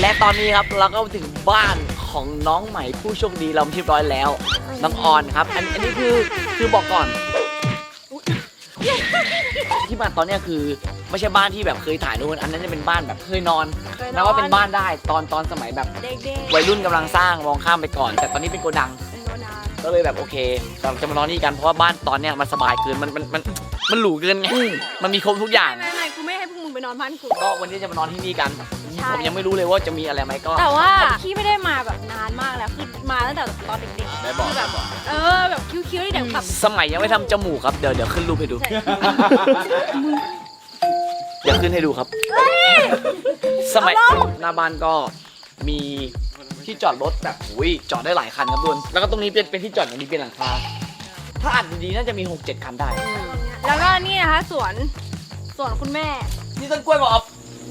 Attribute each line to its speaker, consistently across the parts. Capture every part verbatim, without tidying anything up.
Speaker 1: และตอนนี้ครับเราก็ถึงบ้านของน้องใหม่ผู้โชคดีเราเรียบร้อยแล้วน้องออนครับอันอันนี้คือคือบอกก่อนที่มาตอนเนี้ยคือไม่ใช่บ้านที่แบบเคยถ่ายนู่นอันนั้นจะเป็นบ้านแบบเคยนอนนะว่าเป็นบ้านได้ตอนตอนสมัยแบบวัยรุ่นกำลังสร้างมองข้ามไปก่อนแต่ตอนนี้เป็นโกดังก็เลยแบบโอเคเราจะมานอนนี่กันเพราะว่าบ้านตอนเนี้ยมันสบายเกินมันมันมันมันหรูเกินไงมันมีครบทุกอย่าง
Speaker 2: ไม่ไม่กูไม่ให้พวกมึงไปนอนบ้านกู
Speaker 1: ก็วันนี้จะมานอนที่นี่กันผมยังไม่รู้เลยว่าจะมีอะไรไหมก็
Speaker 2: แต่ว่าพี่ไม่ได้มาแบบนานมากแล้วคือมาตั้งแต่ตอนเด็กๆคือแบบเออแบบคิ้วๆที่เด็กแบบ
Speaker 1: สมัยยังไม่ทำจมูกครับเดี๋ยวเดี๋ยวขึ้นรูปให้ดูเดี๋ยวขึ้นให้ดูครับสมัยหน้าบ้านก็มีที่จอดรถแบบอุ้ยจอดได้หลายคันครับทุกคนแล้วก็ตรงนี้เป็นเป็นที่จอดอย่างนี้เป็นหลังคาถ้าอัดดีๆน่าจะมี หกเจ็ด คันได้
Speaker 2: แล้วก็นี่นะคะสวนสวนคุณแม่
Speaker 1: นี่ต้นกล้วยบอก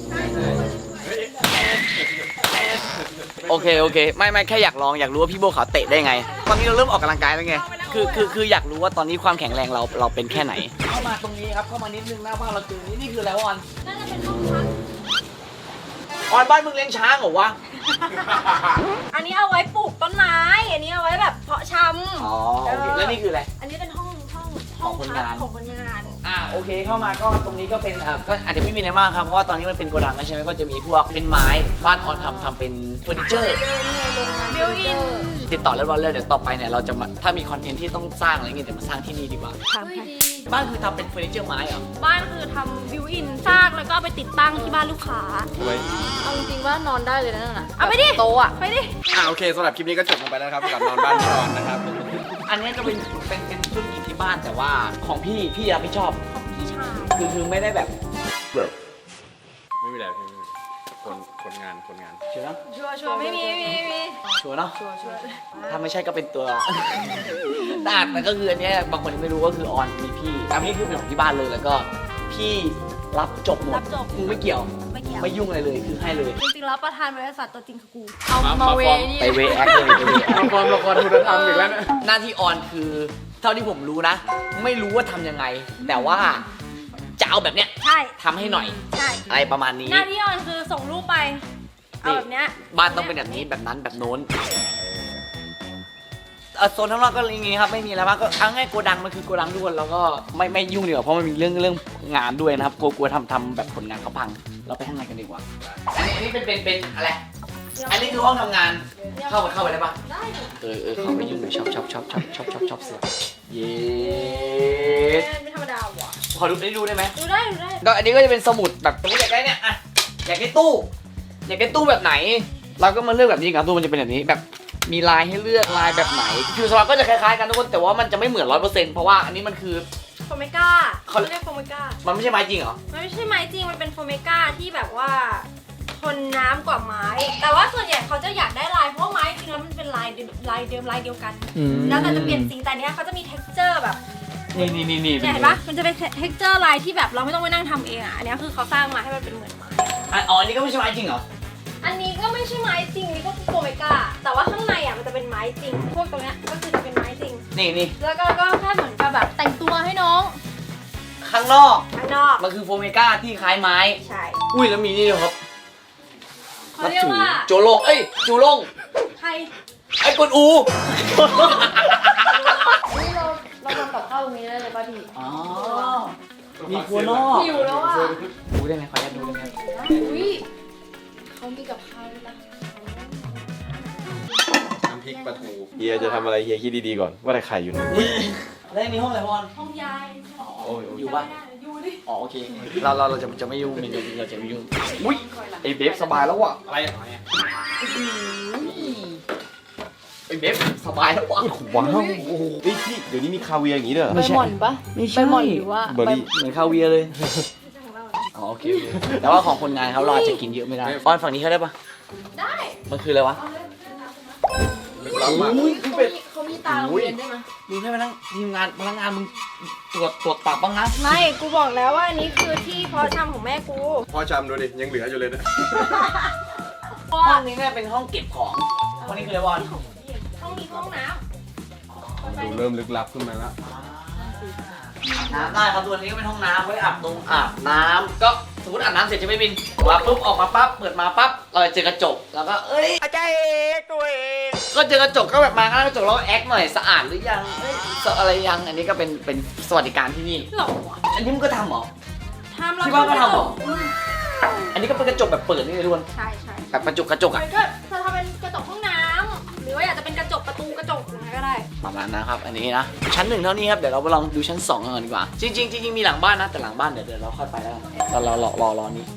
Speaker 1: โอเคโอเคไม่ไม่แค่อยากลองอยากรู้ว่าพี่โบเขาเตะได้ไงตอนนี้เราเริ่มออกกำลังกายแล้วไงคือคือคืออยากรู้ว่าตอนนี้ความแข็งแรงเราเราเป็นแค่ไหนเข้ามาตรงนี้ครับเข้ามานิดนึงหน้าบ้านเราคือนี่นี่คืออะไรวะออน
Speaker 2: น่าจะเป็นห้องพัก
Speaker 1: ออนบ้านมึงเลี้ยงช้างเหรอวะ
Speaker 2: อันนี้เอาไว้ปลูกต้นไม้อันนี้เอาไว้แบบเพาะชำ
Speaker 1: อ๋อโอเคแล้วนี่คืออะไร
Speaker 2: อันนี้เป็นห้องห้อง
Speaker 1: ของคนงาน
Speaker 2: ของคนงาน
Speaker 1: อ่าโอเคเข้ามาก็ตรงนี้ก็เป็นอ่าก็อาจจะไม่มีอะไรมากครับเพราะว่าตอนนี้มันเป็นโกดังใช่ไหมก็จะมีพวกเป็นไม้บ้านออนทำทำเป็นเฟอร์นิเจอร์
Speaker 2: บิวอิน
Speaker 1: ติดต่อเรียบร้อยเลยเดี๋ยวต่อไปเนี่ยเราจะมาถ้ามีคอนเทนต์ที่ต้องสร้างอะไรเงี้ยเดี๋ยวมาสร้างที่นี่ดีกว่า
Speaker 2: ทำให้
Speaker 1: บ้านคือทำเป็นเฟอร์นิเจอร์ไม้เหรอ
Speaker 2: บ้านคือทำบิวอินสร้างแล้วก็เอาไปติดตั้งที่บ้านลูกค้า
Speaker 3: เอาจริงๆว่านอนได้เลยนะน่ะ
Speaker 2: เอาไปดิ
Speaker 3: โต๊ะอ่ะ
Speaker 2: ไปดิ
Speaker 4: อ่าโอเคสำหรับคลิปนี้ก็จบลงไปแล้วครับกับนอนบ้านพี่ออนนะครับ
Speaker 1: อันนี้ก็เป็นเป็นเป็นธุรกิจที่บ้านแต่ว่าของพี่พี่รับผิดชอบ
Speaker 2: ของพี่ชาย
Speaker 1: คือคือไม่ได้แบบ
Speaker 4: ไม่มีอะไรพี่ไม่มีคนคนงานคนงาน
Speaker 1: เชื่อเนาะ
Speaker 2: ชัวร์ชัวร์ไม่มีไม่มีไม่มี
Speaker 1: ชัวร์เนาะ
Speaker 2: ชัวร์ชัวร์
Speaker 1: ถ้าไม่ใช่ก็เป็นตัว แต่แต่ก็คืออันเนี้ยบางคนยังไม่รู้ก็คือออนมีพี่อันนี้คือเป็นของที่บ้านเลยแล้วก็พี่รับจบหมด
Speaker 2: รับจบ
Speaker 1: มึงไม่เกี่ยว
Speaker 2: ไม่เกี่ยว
Speaker 1: ไม่ยุ่งอะไรเลยคือให้เลย
Speaker 2: จริงๆแล้วประธานบริษัทตัวจริงคือกู
Speaker 3: เอามาเวนี่
Speaker 1: ไปเวแอคเลยไปเวแอค
Speaker 4: ละครละครคุณธรรมอีกแล้วนะ
Speaker 1: หน้าที่ออนคือเท่าที่ผมรู้นะ ไม่รู้ว่าทำยังไง แต่ว่าจะเอาแบบเนี้ย
Speaker 2: ใช่
Speaker 1: ทำให้หน่อย
Speaker 2: ใช่
Speaker 1: อะไรประมาณนี้
Speaker 2: หน้าที่ออนคือส่งรูปไป เอาแบบเนี้ย
Speaker 1: บ้านต้องเป็นแบบนี้แบบนั้นแบบโน้นเอ่อโซนข้างนอกก็อย่างงี้ครับไม่มีอะไรมากก็เอาง่ายโกดังมันคือโกดังทุกคนแล้วก็ไม่ไม่ยุ่งดีกว่าเพราะมันมีเรื่องเรื่องงานด้วยนะครับกลัวกลัวทำทำแบบผลงานเขาพังเราไปข้างในกันดีกว่าอันนี้อันนี้เป็นเป็นเป็นอะไรอันนี้คือห้องทำงานเข้าไปเข้าไปได้ปะ
Speaker 2: ได้ดิ
Speaker 1: เออเออเข้าไปยุ่งเลยชอบชอบชอบชอบชอบชอบชอบเสือเย้
Speaker 2: ไม่ธรรมดาว่ะ
Speaker 1: พอดูได้ดูได้ไหม
Speaker 2: ดูได้ดูได้
Speaker 1: ก็อันนี้ก็จะเป็นสมุดแบบสมมติอยากได้เนี่ยอะอยากได้ตู้อยากได้ตู้แบบไหน เราก็มาเลือกแบบนี้ครับตู้มันจะเป็นแบบนี้แบบมีลายให้เลือกลายแบบไหนคือสำหรับก็จะคล้ายๆกันทุกคนแต่ว่ามันจะไม่เหมือนร้อยเปอร์เซ็นต์เพราะว่าอันนี้มันคือ
Speaker 2: โฟเมก้า
Speaker 1: เขา
Speaker 2: เขาเรียกโฟเมก้า
Speaker 1: มันไม่ใช่ไม้จริงเหรอ
Speaker 2: มันไม่ใช่ไม้จริง มันเป็นโฟเมก้าที่แบบว่าทนน้ำกว่าไม้ แต่ว่าส่วนใหญ่เขาจะอยากได้ลายเพราะว่าไม้จริงแล้วมันเป็นลายเดิมลายเดิมลายเดียวกัน แล้วแต่จะเปลี่ยนสีแต่เนี้ยเขาจะมี texture แบบ
Speaker 1: นี่นี่นี่นี่
Speaker 2: เนี่ยเห็นปะมันจะเป็น texture ลายที่แบบเราไม่ต้องไปนั่งทำเองอ่ะ อันเนี้ยคือเขาสร้างมาให้มันเป็นเหมือนไม้
Speaker 1: อ่ะอ๋ออันนี้ก็ไม่ใช่ไม้จริงเหรอ
Speaker 2: อันนี้ก็ไม่ใช่ไม้จริงอันนี้ก็คือโฟเมก้า แต่ว่าข้างในอ่ะมันจะเป็นไม้จริง พวกตรงเนี้ยก็คือจะเป็นไม้จริง
Speaker 1: นี่นี่
Speaker 2: แล้วก็ก็แค่เหมือนกับแบบแต่งตัวให้น้อง
Speaker 1: ข้างนอก
Speaker 2: ข้างนอก
Speaker 1: มันคือโฟเมก้าที่คล้ายไม้
Speaker 2: ใช่
Speaker 1: อุ้ยแล้วมีนี่ด้วยครับ
Speaker 2: เขาเรียกว่า
Speaker 1: โจโลงเอ้ยจูโลง
Speaker 2: ใคร
Speaker 1: ไอ้กวนอู
Speaker 3: นี่เราเราทำกับข้าวตรงนี้ได้เลยป่ะพี่
Speaker 1: อ๋อมีครัวนอก
Speaker 2: หิวแล้วอ่ะ
Speaker 1: ดูได้ไหมขออนุญาตดูได้ไหม
Speaker 3: อุ้ยเขามีกับข้าวด้วยนะ
Speaker 4: น้ำพริกปลาทูเฮียจะทำอะไรเฮียคิดดีๆก่อนว่าแต่ไข่อยู่ไหน
Speaker 1: แล้วนี่ห้องอะไรพอน
Speaker 2: ห้องยาย
Speaker 1: อ๋ออยู่ปะ
Speaker 2: อยู่ดิ
Speaker 1: อ๋อโอเค เราเราเราจะจะไม่ยุ่งเราจะเราจะไม่ยุ่ง อุ้ยไอเบฟสบายแล้วว่ะ
Speaker 4: อะไรอะไรอะ
Speaker 1: ไอเบฟสบายแล้วว่ะ
Speaker 4: ว้าวโอ้โหเฮ้ยพี่เดี๋ยวนี้มีคาเวียร์อย่างนี้ด้วยเหรอ
Speaker 3: ใบหม่อนปะ
Speaker 1: ไม่
Speaker 3: ใบ
Speaker 1: ใช่
Speaker 3: หม่อนหรือว่า
Speaker 4: เบอร์รี่
Speaker 1: เหมือนคาเวียร์เลย อ๋อโอเคโอเคแต่ว่าของคนงานเขาเราอาจจะกินเยอะไม่ได้ออนฝั่งนี้เขาได้ปะ
Speaker 2: ได้
Speaker 1: มันคืออะไรวะ
Speaker 4: ลึกลับมาก
Speaker 1: อุ้ย
Speaker 3: เขามีเขามีตาโรงเรียนด้วยนะ
Speaker 1: มึงให้พนักทีมงานพนักงานมึงตรวจตรวจตับบ้างนะ
Speaker 2: ไม่ กูบอกแล้วว่าอันนี้คือที่เพาะชำของแม่กู
Speaker 4: พ่อจำดูดิยังเหลืออยู่เลยนะ
Speaker 1: ห้องนี้เนี่ยเป็นห้องเก็บของห้องนี้คืออะไรวอน
Speaker 2: ห้องนี้ห้องน้
Speaker 4: ดูเริ่มลึกลับขึ้นมาแล้ว
Speaker 1: น้ำได้ครับตัวนี้ก็เป็นห้องน้ำไว้อาบนงอาบน้ำก็สมมติอาบน้ำเสร็จใช่ไหมบินมาปุ๊บออกมาปั๊บเปิดมาปั๊บเราจะเจอกระจกแล้วก็เอ้ยอาจารย์เอกตัวเองก็เจอกระจกก็แบบมาข้างกระจกแล้วแอคหน่อยสะอาดหรือยังเอ้ยอะไรยังอันนี้ก็เป็นเป็นสวัสดิการที่นี่
Speaker 2: หรอวะ
Speaker 1: อันนี้มึงก็ทำเหรอ
Speaker 2: ทำเรา
Speaker 1: ที่บ้านก็ทำเหรอ
Speaker 2: อืม
Speaker 1: อันนี้ก็เป็นกระจกแบบเปิดนี่เลยทุกคน
Speaker 2: ใช่ใช่
Speaker 1: แบบกระจกกระจก
Speaker 2: มั
Speaker 1: อ่ะ
Speaker 2: นก็จะทำเป็นกระจกห้องน้ำหรือว่าอยากจะเป็นกระจกประตูกระจกอะไรก็ได้
Speaker 1: ประมาณนะครับอันนี้นะชั้นหนึ่งเท่านี้ครับเดี๋ยวเราไปลองดูชั้นสองกันก่อนดีกว่าจริงๆจริงๆมีหลังบ้านนะแต่หลังบ้านเดี๋ยวเดี๋ยวเราค่อยไปแล้วกันเราเรารอรอรอนี้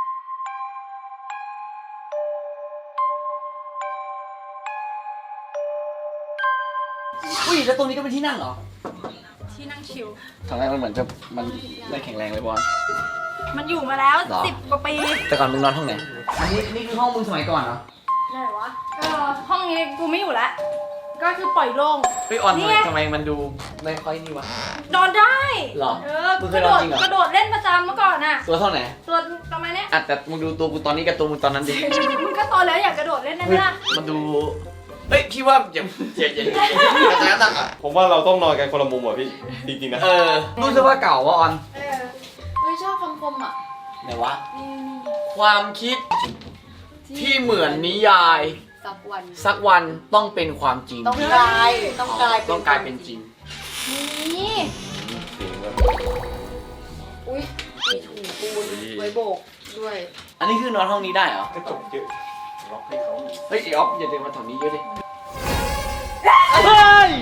Speaker 1: อุ้ยแล้วตรงนี้ก็เป็นที่นั่งเหรอ
Speaker 2: ที่นั่งชิล
Speaker 1: ทำไมมันเหมือนจะมันได้แข็งแรงเลยบอล
Speaker 2: มันอยู่มาแล้ว
Speaker 1: หรอ
Speaker 2: สิบกว่าปี
Speaker 1: แต่ก่อนมึงนอนห้องไหนอันนี้นี่คือห้องมึงสมัยก่อนเหรอ
Speaker 2: ไหนวะเออห้องนี้กูไม่อยู่แล้วก็คือปล่อยโล่ง
Speaker 1: เฮ้ยออน
Speaker 2: นี่
Speaker 1: ทำไม
Speaker 2: ไง
Speaker 1: ทำไมมันดูไม่ค่อยนี่วะ
Speaker 2: นอนได้
Speaker 1: หรอ
Speaker 2: เออ
Speaker 1: มึงเค
Speaker 2: ก
Speaker 1: ย
Speaker 2: ระ
Speaker 1: น
Speaker 2: โด
Speaker 1: อน
Speaker 2: ด
Speaker 1: จริงเหรอ
Speaker 2: กระโดดเล่นประจำเมื่อก่อนน่ะ
Speaker 1: ตัวเท่าไหน
Speaker 2: ตัวประมาณเนี้ย
Speaker 1: อ่ะแต่มึงดูตัวกูตอนนี้กับตัวมึงตอนนั้นดิ
Speaker 2: มึงก็โตแล้วอยากกระโดดเล่นได้ไหม
Speaker 1: เฮ้ย
Speaker 2: ล่ะ
Speaker 1: มันดูเฮ้ยพี่ว่าอย่าอย่าอย่าอย่าจะตั้งอ่ะ
Speaker 4: ผมว่าเราต้องนอนกันคนละมุมอ่ะพี่ จริงๆนะ
Speaker 1: เออรู้สึกว่าเก่าวะออน
Speaker 2: เออ
Speaker 3: เฮ้ยชอบคำคมอ่ะ
Speaker 1: ไหนวะ
Speaker 3: นี่
Speaker 1: ความคิดที่เหมือนนิยาย
Speaker 3: สักวัน
Speaker 1: สักวันต้องเป็นความจริง
Speaker 3: ต้องกลายต้องกลายเป็น
Speaker 1: ต้องกลายเป็นจริง
Speaker 2: นี่
Speaker 4: เสียงแบบ
Speaker 3: อุ้ยมีถุงปูนไว้โบกด้วย
Speaker 1: อันนี้คือนอนห้องนี้ได้เหรอก
Speaker 4: ระจกเยอะล็อกให้เขา
Speaker 1: เฮ้ยไอออฟอย่าเดินมาแถวนี้เยอะดิเฮ้ย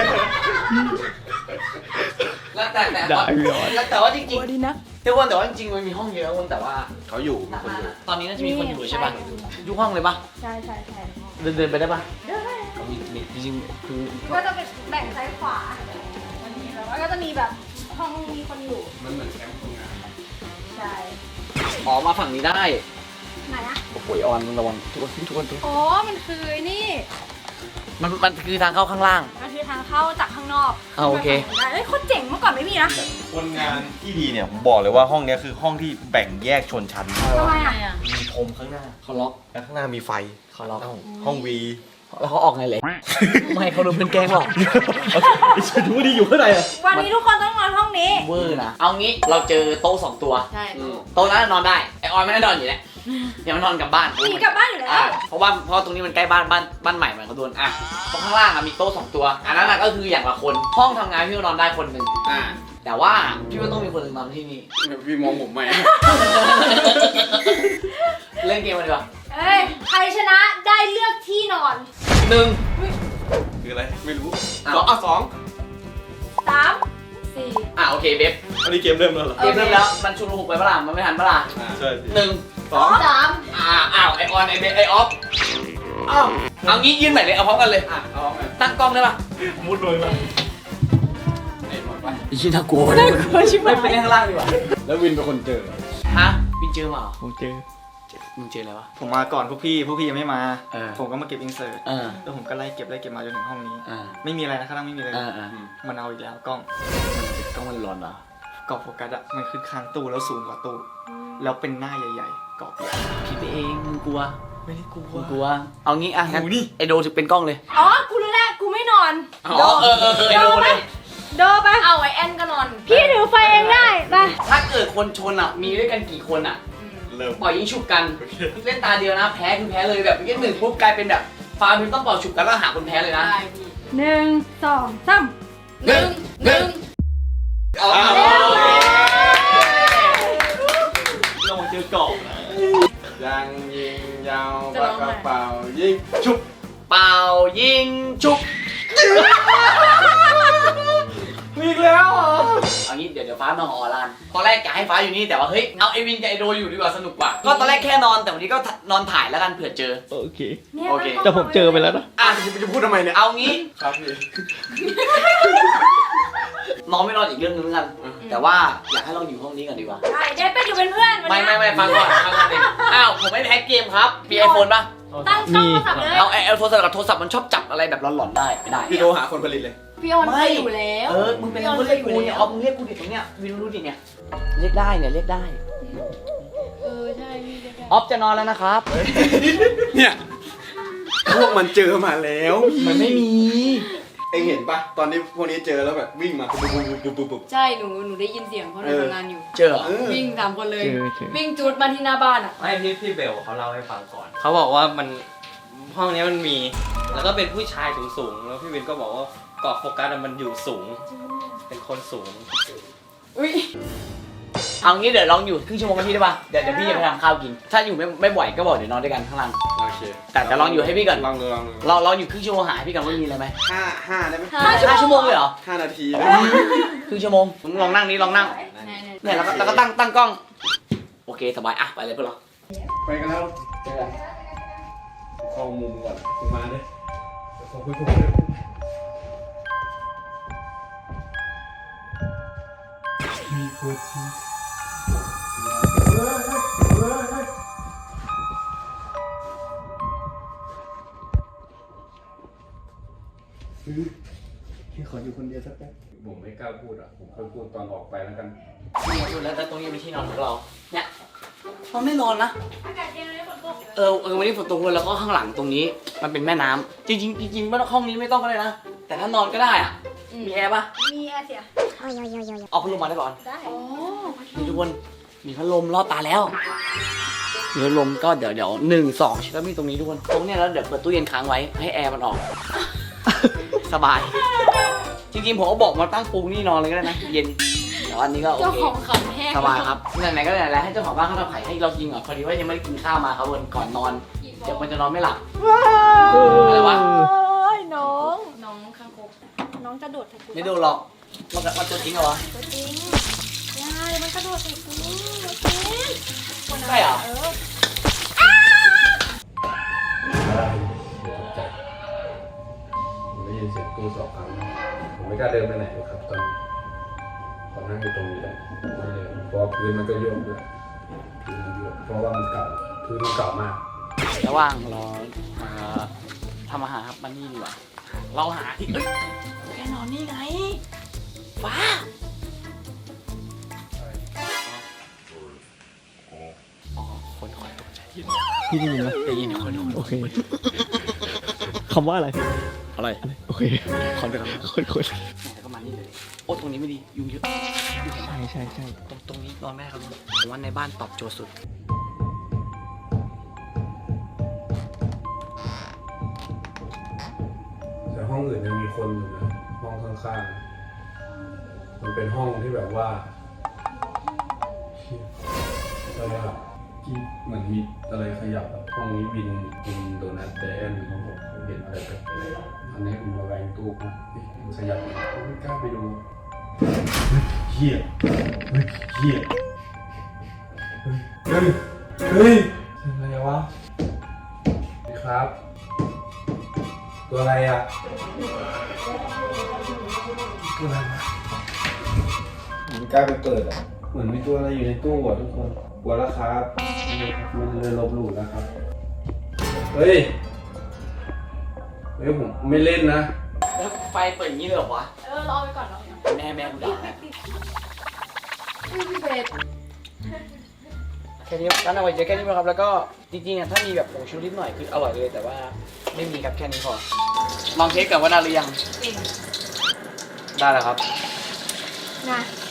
Speaker 1: แล้วแต่แต่แล้วแต่ว่าจริงๆ
Speaker 2: ดีนะ
Speaker 1: ทุกคนแต่ว่าจริงๆมันมีห้องเยอะคนแต่ว่า
Speaker 4: เขาอยู่มีคนอยู่
Speaker 1: ตอนนี้น่าจะมีคนอยู่ใช่ป่ะยุคห้องเลยป่ะ
Speaker 2: ใช่ใช่ใช่
Speaker 1: เดินเดินไปได้ป่ะ
Speaker 2: เดี๋ยวให้
Speaker 1: มีมีจริงๆคือ
Speaker 2: ก็จะเป็นแบ่งซ้ายขวาแล้วก็จะมีแบบห้องมีคนอยู่
Speaker 4: มันเหมือนแคมป์คนงาน
Speaker 2: ใช่
Speaker 1: ออกมาฝั่งนี้ได้
Speaker 2: ไหนนะ
Speaker 1: โอ้โหออนมึงระวังทุกคนทุกคนทุกคน
Speaker 2: อ๋อมันคือนี่
Speaker 1: มันมันคือทางเข้าข้างล่าง
Speaker 2: มันคือทางเข้าจากข้างนอก
Speaker 1: อ่าโอเค
Speaker 2: ได้เอ้ยโคตรเจ๋งเมื่อก่อนไม่มีนะ
Speaker 4: คนงานที่ดีเนี่ยผมบอกเลยว่าห้องเนี้ยคือห้องที่แบ่งแยกชนชั้น
Speaker 2: ทำไมอ่ะ
Speaker 4: มีธมข้างหน้า
Speaker 1: เขาล็อก
Speaker 4: แล้วข้างหน้ามีไฟ
Speaker 1: เขาล็อก
Speaker 4: ห้องวี
Speaker 1: แล้วเขาออกไงเลยไม่เขาโดนเพื่อนแกล้งหรอก
Speaker 4: ฉันรู้ดีอยู่ข้างในอ่ะ
Speaker 2: วันนี้ทุกคนต้องนอนห้องนี้
Speaker 1: เวอร์นะเอางี้เราเจอโต๊ะสองตัว
Speaker 3: ใช่
Speaker 1: โต๊ะนั้นนอนได้ไอออนไม่ได้นอนอยู่แล้วเดี๋ยวมันนอนกลับบ้าน
Speaker 2: หนีกลับบ้านอยู่แล้ว
Speaker 1: อ่ะเพราะว่าเพราะตรงนี้มันใกล้บ้านบ้านบ้านใหม่เหมือนเขาโดนอ่ะตรงข้างล่างอ่ะมีโต๊ะสองตัวอันนั้นนะก็คืออย่างละคนห้องทำงานพี่ก็นอนได้คนหนึ่งอ่าแต่ว่าพี่ว่าต้องมีคนหนึ่งนอนที่นี่
Speaker 4: พี่มองผมไหม
Speaker 1: เล่นเกมกันดีกว่า
Speaker 2: เอ้ยใครชนะได้เลือกที่นอน
Speaker 1: หนึ่ง
Speaker 4: คืออะไร ไม่รู้
Speaker 1: อ้าว
Speaker 4: สองอ่ะสอง
Speaker 2: สามสี่
Speaker 1: อ่ะโอเคเบฟ
Speaker 4: อันนี้เกมเริ่มแล้วเหรอ
Speaker 1: เกมเริ่มแล้วมันชุลมุนไปเปะล่ามันไม่ทันเปะล่า
Speaker 4: อ่าใช่พี่
Speaker 1: หนึ่ง
Speaker 4: สอง
Speaker 3: สาม
Speaker 1: อ่าอ้าวไอออนไอเบฟไอออฟอ้าวเอางี้ยื่นใหม่เลยเอาพร้อมกันเลย
Speaker 4: อ่ะเอาไง
Speaker 1: ตั้งกล้องได้ปะ
Speaker 4: มุดเลยมาไอ้หมดไป
Speaker 1: ยี่น่ากลัวน่ากลัวชิบหายไม่ไปเล่นข้างล่างดีกว่า
Speaker 4: แล้ววินเป็นคนเจอ
Speaker 1: ฮะวินเจอมาเหรอ
Speaker 5: ผมเจอ
Speaker 1: มึงเจออะไรวะ
Speaker 5: ผมมาก่อนพวกพี่ พวกพี่ยังไม่มา
Speaker 1: เออ
Speaker 5: ผมก็มาเก็บอินเสิร์ต
Speaker 1: เออ
Speaker 5: แล้วผมก็ไล่เก็บไล่เก็บมาจนถึงห้องนี้
Speaker 1: เออ
Speaker 5: ไม่มีอะไรนะข้างล่างไม่มีอะไร
Speaker 1: เออเออ
Speaker 5: มันเอาอีกแล้วกล้อง
Speaker 1: กล้องมันร้อนเหรอก
Speaker 5: รอบโฟกัสอะมันขึ้นข้างตู้แล้วสูงกว่าตู้ แล้วเป็นหน้าใหญ่ๆกรอบใหญ่
Speaker 1: คิดไปเองมึงกลัว
Speaker 5: ไม่ได้กลัว
Speaker 1: มึงกลัวเอางี้อ่ะงั้น
Speaker 5: กูนี่
Speaker 1: ไอโดถือเป็นกล้องเลย
Speaker 2: อ๋อกูรู้แล้วกูไม่นอน
Speaker 1: อ๋อเออเออเออไอโดเลย
Speaker 2: โดไป
Speaker 3: เอาไว้แอนก็นอน
Speaker 2: พี่ถือไฟเองได้ไป
Speaker 1: ถ้าเกิดคนชนอ่ะมีด้วยกันกี่คนอ่ะ
Speaker 4: เริ่ม
Speaker 1: ปล่อยยิงฉุบกันเล่นตาเดียวนะแพ้คือแพ้เลยแบบเมื่อกี้หนึ่งปุ๊บกลายเป็นแบบฟาร์มต้องเป่าฉุบกันแล้วหาคนแพ้เลยนะ
Speaker 3: ได้พี่
Speaker 2: หนึ่งสองสาม
Speaker 3: หนึ่งหนึ่ง
Speaker 1: เอา
Speaker 4: อ้าว
Speaker 1: โอเค
Speaker 5: ลงมาเจอกรอบนะ
Speaker 4: ยังยิงยาวปากกระเป๋ายิงชุบ
Speaker 1: เป่ายิงฉุบ
Speaker 5: มีอีกแล้วเหรอ
Speaker 1: เอางี้เดี๋ยวเดี๋ยวฟ้านอนออลานตอนแรกกะให้ฟ้าอยู่นี่แต่ว่าเฮ้ยเอาไอวินกับไอโดอยู่ดีกว่าสนุกกว่าก็ตอนแรกแค่นอนแต่วันนี้ก็นอนถ่ายแล้วกันเผื่อเจอ
Speaker 5: โอเค
Speaker 2: นี่ย
Speaker 1: โอเค
Speaker 5: แต่ผมเจอไปแล้วนะ
Speaker 1: อ่ะ
Speaker 4: จะพูดทำไมเนี่ย
Speaker 1: เอางี้
Speaker 4: ครับพี่
Speaker 1: นอนไม่นอนอีกเรื่องนึงแล้วกัน แต่ว่าอยากให้เราอยู่ห้องนี้กันดีกว่า
Speaker 2: ได้เดี๋ยวไปอยู่เป็นเพื่อนวัน
Speaker 1: ไม่
Speaker 2: เนี้ย
Speaker 1: ไม่ไม่ฟังก่อนฟังก่อนดิอ้าวผมไม่ได้แฮกเกมครับมีไอโฟนป่ะ
Speaker 2: ตั้งช่องโทรศัพท์เลย
Speaker 1: เอาไอโทรศัพท์กับโทรศัพท์มันชอบจับอะไรแบบหลอนๆได้ไม่ได้
Speaker 4: พี่โทรหาคนผลิตเลย
Speaker 3: พี่ออน
Speaker 1: ไม่
Speaker 3: ไปอยู่แล้ว
Speaker 1: เออมึงเป็นคนเรียกกูเนี่ยเอามึงเรียกกูดิตรงเนี้ยวินรู้ดิเนี่ยเรียกได้เนี่ยเรียกได้
Speaker 3: เออใช่พี่ได้
Speaker 1: ออฟจะนอนแล้วนะครับ
Speaker 4: เนี่ย พวกมันเจอมาแล้ว
Speaker 1: มันไม่มี
Speaker 5: เอ็งเห็นปะตอนที่พวกนี้เจอแล้วแบบวิ่งมาปุ๊บปุ๊บปุ๊บปุ๊บปุ๊บ
Speaker 3: ใช่หนูหนูได้ยินเสียงเพราะหนู
Speaker 5: เออ
Speaker 3: ทำงานอยู่
Speaker 1: เจอเหรอ
Speaker 5: เออ
Speaker 3: วิ่งสามคนเลย
Speaker 6: เจอเจอ
Speaker 3: วิ่งจูดมาที่หน้าบ้านอ่ะ
Speaker 6: ไม่พี่พี่เบลเขาเล่าให้ฟังก่อน เขาบอกว่ามันห้องเนี้ยมันมี แล้วก็เป็นผู้ชายสูงๆแล้วพี่วินก็บอกว่าเกาะโฟกัสอะมันอยู่สูง เป็นคนสูง
Speaker 3: อุ้ย
Speaker 1: เอางี้เดี๋ยวลองอยู่ครึ่งชั่วโมงกับพี่ได้ป่ะเดี๋ยวเดี๋ยวพี่จะไปทำข้าวกิน ถ้าอยู่ไม่ไม่บ่อยก็บอกเดี๋ยวนอนด้วยกันข้างล่าง
Speaker 4: โอเค
Speaker 1: แต่แต่ลองอยู่ให้พี่ก่อน
Speaker 4: ลองดูลองดู
Speaker 1: เราเราอยู่ครึ่งชั่วโมงหาให้พี่ก่อนว่ามีอะไรไหม
Speaker 5: ห้าห้าได้ไหม
Speaker 1: ห้าชั่วโมงเลยเหรอ
Speaker 5: ห้านาที
Speaker 1: ครึ่งชั่วโมงมึงลองนั่งนี้ลองนั่ง
Speaker 3: ไหนไหน
Speaker 1: เนี่ยแล้วก็แล้วก็ตั้งตั้งกล้อง โอเคสบายอ่ะไปเลยเพื่อนเรา
Speaker 4: ไปกันแล้ว
Speaker 1: เจอกัน
Speaker 4: เข้ามุมก่อนมาเลยขอคุยกับผม
Speaker 5: มีคนที่พี่ขออยู่คนเดียวสักแป๊บ
Speaker 4: ผมไม่กล้าพูดอ่ะ ผมค่อยพูดตอนออกไปแล้วกัน
Speaker 1: นี่ดูแล้วแล้วตรงนี้เป็นที่นอนของเรา เนี่ยเราไม่นอนนะ
Speaker 2: อากาศเย็นเลยฝนตก
Speaker 1: เออเออวันนี้ฝนตกเลยแล้วก็ข้างหลังตรงนี้ มันเป็นแม่น้ำจริงจริงๆจริงๆว่าห้องนี้ไม่ต้องก็ได้นะ แต่ถ้านอนก็ได้อ่ะ มีแอร์ปะ
Speaker 2: มีแอร์เสีย
Speaker 1: เอาพัดลมมาได้ก่อน
Speaker 2: ได้
Speaker 3: อ๋อ
Speaker 1: นี่ทุกคนมีพัดลมรอดตาแล้วมีพัดลมก็เดี๋ยวเดี๋ยวหนึ่งสองแล้วมีตรงนี้ทุกคนตรงเนี้ยแล้วเดี๋ยวเปิดตู้เย็นค้างไว้ให้แอร์มันออก สบาย จริงๆผมก็บอกมาตั้งปูนี่นอนเลยก็ได้นะ เย็นแต่ว่าอันนี้ก็โอ
Speaker 3: เจ้า
Speaker 1: เค
Speaker 3: ของขำแห้ง
Speaker 1: สบายครับไหนๆก็ไหนๆแล้วให้เจ้าของบ้านเขาทำไข่ให้เรากินก่อนพอดีว่ายังไม่ได้กินข้าวมาครับวันก่อนนอนเดี๋ยวมันจะนอนไม่หลับอะไรวะ
Speaker 2: น้อง
Speaker 3: น้องข้างคก
Speaker 2: น้องจะโดดใส่กู
Speaker 1: ไม่ดูหรอกมันมันตัวจริงเหรอวะ
Speaker 2: ตัวจริงยายมันกระโดดใส่กูตัวจริง
Speaker 1: ใช่เหรอ
Speaker 2: เออ
Speaker 4: ผมได้ยินเสียงตู้สองครั้งผมไม่กล้าเดินไปไหนเลยครับตอนตอนนั่งอยู่ตรงนี้แหละไม่เลยเพราะว่าพื้นมันก็โยกด้วยพื้นมันโยกเพราะว่ามันเก่าพื้นมันเก่ามาก
Speaker 1: ระหว่างรอเอ่อทำอาหารครับมันนี่ดีกว่าเราหาที่เอ้ยแกนอนนี่ไงฟ้าอ๋อคนคอยตกใจ
Speaker 6: พี่ได้ยินไหม
Speaker 1: ได้ยินคนคน
Speaker 6: โอเค คำว่าอะไร
Speaker 1: อะไร
Speaker 6: โอเค
Speaker 1: คนไปกัน
Speaker 6: คนคน
Speaker 1: แล้วก็มานี่เลยโอ้ตรงนี้ไม่ดียุงเยอะยุงเห็นไหม
Speaker 6: ใช่ใช่ใช่
Speaker 1: ตรงตรงนี้นอนไม่ได้ครับผมว่าในบ้านตอบโจทย์สุด
Speaker 4: แต่ห้องอื่นยังมีคนอยู่นะห้องข้างๆมันเป็นห้องที่แบบว่าเชี่ยอะไรอะที่เหมือนมีอะไรขยับอะห้องนี้วินวินโดนัทแต่แอนเขาบอกเขาเห็นอะไรแปลกๆอันนี้คุณมาแวงตู้มาเอ๊ะมันขยับอยู่ผมไม่กล้าไปดูเฮียเฮ้ยเฮียเฮ้ยเฮ้ยเฮ้ยอะไรวะนี่ครับ ตัวอะไรอ่ะตัวอะไรวะผมไม่กล้าไปเปิดอ่ะ เหมือนมีตัวอะไรอยู่ในตู้อ่ะทุกคนกลัวแล้วครับมันเลยลบหลู่แล้วครับ เฮ้ย เฮ้ยผมไม่เล่นนะ
Speaker 1: แล้วไฟเปิดอย่างนี้เลยเหรอวะ
Speaker 3: เออรอไปก่อนรอไปก่อน
Speaker 1: แม่แม่กูด่า
Speaker 3: อุ้ยพี่เบส
Speaker 1: แค่นี้ร้านอร่อยเยอะแค่นี้พอครับแล้วก็จริงๆอ่ะถ้ามีแบบผงชูรสนิดหน่อยคืออร่อยเลยแต่ว่าไม่มีครับแค่นี้พอลองเทสกันว่าได้หรือยัง
Speaker 3: จริง
Speaker 1: ได้แล้วครับ
Speaker 2: นะ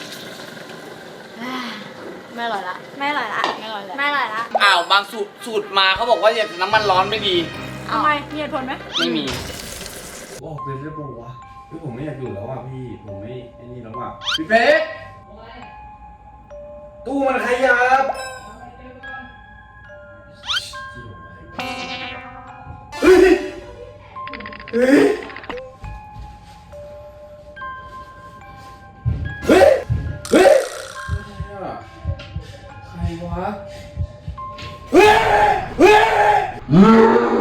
Speaker 3: ไม่อร่อยละ
Speaker 2: ไม่อร่อยละ
Speaker 3: ไม่อร่อยละ
Speaker 2: ไม่อร่อยละ
Speaker 1: อ้าวบางสูตรสูตรมาเขาบอกว่าอย่าน้ำมันร้อนไม่ดี
Speaker 2: ทำไมมีเหตุผลไหม
Speaker 1: ไม่มี
Speaker 4: บอกเลยได้บอกว่าพี่ผมไม่อยากอยู่แล้วอ่ะพี่ ผมไม่ไอ้นี่แล้วอ่ะพี่เป๊กตู้มันขยับเฮ้ยเฮ้ยเฮ้ยเฮ้ยใครวะเฮ้ยเฮ้ย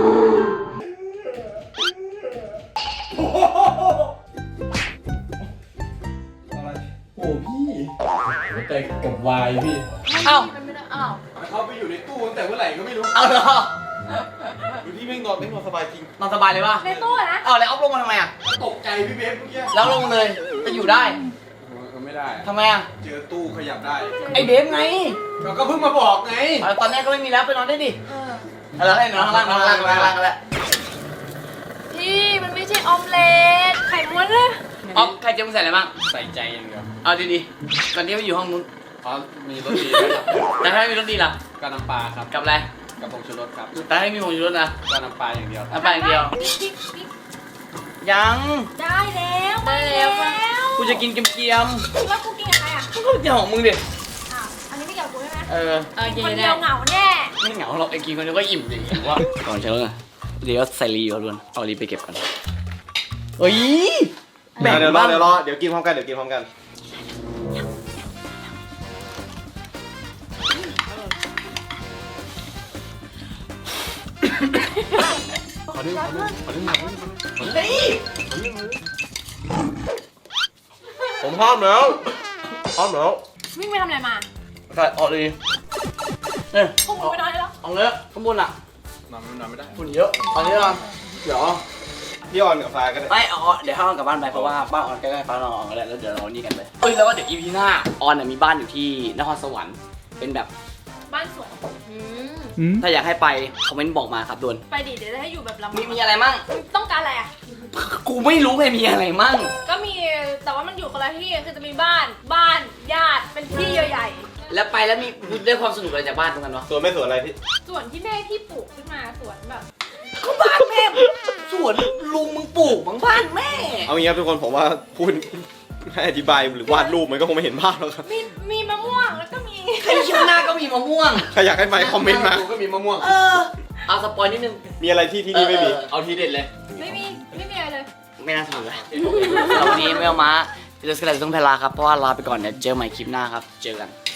Speaker 4: โอ้พี่หัวใจกับวายพี่
Speaker 1: เอ้า
Speaker 3: มันไม่ได้อ้าว
Speaker 5: เขาไปอยู่ในตู้ตั้งแต่เมื่อไหร่ก็ไม่รู้
Speaker 1: เอาเหรอ
Speaker 5: ดูที่แม่งนอนไม่นอนสบายจริง
Speaker 1: นอนสบายเลยป่ะ
Speaker 2: ในตู้อะนะ
Speaker 1: เอาแล้วเอาลงมาทำไมอ่ะ
Speaker 5: ตกใจพี่เบฟเมื่อกี้
Speaker 1: แล้วลงเลยจะอยู่ได้
Speaker 4: ไม่ได้
Speaker 1: ทำไมอ่ะ
Speaker 5: เจอตู้ขยับได้
Speaker 1: ไอเบฟไง
Speaker 5: เราก็เพิ่งมาบอกไง
Speaker 1: เอาตอนนี้ก็ไม่มีแล้วไปนอนได้ดิ
Speaker 2: เออ
Speaker 1: เอาแล้วให้นอนข้างล่างนอนข้างล่างนอนข้างล่างกันแล้ว
Speaker 2: พี่มันไม่ใช่ออมเล็ตใครข่ม้วนเลย
Speaker 1: อ๋อใครจะมึงใส่อะไรบ้าง
Speaker 6: ใส่ใจอย่างเดียว
Speaker 1: เอาดีๆตอนนี้ไปอยู่ห้องนู้น
Speaker 6: อ๋อมีรสดีด้วยครับ
Speaker 1: แต่ถ้าไม่มีรถดีล่ะ
Speaker 6: ก็น้ำปลาครับ
Speaker 1: กับอะไร
Speaker 6: กับผงชูรสครับ
Speaker 1: แต่ถ้าไม่มีผงชูรสนะ
Speaker 6: ก็น้ำปลาอย่างเดียวครับ
Speaker 1: น้ำปลาอย่างเดียว
Speaker 2: พริกพริกพริก
Speaker 1: ยัง
Speaker 2: ได้แล้วได้แล้ว
Speaker 1: กูจะกินเกรียม
Speaker 2: แล้วกูกินกับใครอ่ะ
Speaker 1: ๆก็กินของมึงดิ
Speaker 2: อ้าวอันนี้ไม่เกี่ยวกับกูใช่ไหม
Speaker 1: เออ
Speaker 3: เออ
Speaker 2: กิ
Speaker 3: กิ
Speaker 2: น
Speaker 3: น
Speaker 2: คน
Speaker 3: ได้
Speaker 2: เดียวเหงาแน่
Speaker 1: ไม่เหงาหรอกไอ้กินคนเดียวก็อิ่มดิว่าก่อนเช้าไงเดี๋ยวใส่รีก่อนด่วนเอารีไปเก็บก่อนเฮ้ยแบ่ง
Speaker 6: เดี๋ยวรอ
Speaker 1: บ้าง
Speaker 6: เดี๋ยวรอเดี๋ยวกินพร้อมกันเดี๋ยวกินพร้อมกัน
Speaker 4: ขอดึงขอดึงขอดึงหน่อย
Speaker 1: เฮ้ย
Speaker 6: ผมพร้อมแล้วพร้อมแล้ว
Speaker 2: วิ่งไปทำอะไรมา
Speaker 1: ใส่ออกเลยเนี่ย
Speaker 2: พวกมึงไปนอนได้แล้ว
Speaker 1: เอาเลยข้างบนอ่ะ
Speaker 4: นอนไม่นอนไม่ได้
Speaker 1: ฝุ่นเยอะตอนนี้เราเดี๋ยว
Speaker 6: พี่ออนกับฟ้าก็ได้
Speaker 1: ไม่เอาเดี๋ยวให้ออนกลับบ้านไปเพราะว่าบ้านออนใกล้ๆบ้านเราออนกันแล้วแล้วเดี๋ยวเรานี่กันไปเอ้ยแล้วว่าเดี๋ยวอีพีหน้าออนน่ะมีบ้านอยู่ที่นครสวรรค์เป็นแบบ
Speaker 2: บ้านสวนอืม
Speaker 5: อืม
Speaker 1: ถ้าอยากให้ไปคอมเมนต์บอกมาครับด่วน
Speaker 2: ไปดิเดี๋ยวจะให้อยู่แบบลำ
Speaker 1: มีมีอะไรมั่ง
Speaker 2: ต้องการอะไรอ่ะ
Speaker 1: กูไม่รู้ไงมีอะไรมั่ง
Speaker 2: ก็มีแต่ว่ามันอยู่คนละที่คือจะมีบ้านบ้านญาติเป็นที่ใหญ่
Speaker 1: แล้วไปแล้วมีได้ความสนุกอะไรจากบ้านตรงกันวะ
Speaker 6: สวนไม่สวนอะไรพี่
Speaker 2: ๆส่วนที่แม่พี่ปลูกขึ้นมาสวนแบบ
Speaker 1: ก็บ้านแม่สวนลุงมึงปลูกบางบ้านแม่
Speaker 6: เอางี้ครับทุกคนผมว่าพูดให้อธิบายหรือวาดรูปมันก็คงไม่เห็นภาพแล้วครับ
Speaker 2: มีมีมะม่วงแล้วก็มี
Speaker 1: ไอ้เชี่ยหน้าก็มีมะม่วง
Speaker 6: ใครอยากให้ไปคอมเมนต์มา
Speaker 4: ก็มีมะม่วง
Speaker 1: เออเอาสปอยนิดนึง
Speaker 6: มีอะไรที่ที่นี่ไม่มี
Speaker 1: เออเออเอาทีเด็ดเลย
Speaker 2: ไม่มีไม่มีอะไรเลย
Speaker 1: ไม่น่าถือเลยแล้ววันนี้ไม่เอามาเจอสกัดต้องเพลาครับเพราะว่าลาไปก่อนเดี๋ยวเจอใหม่คลิปหน้าครับเจอกัน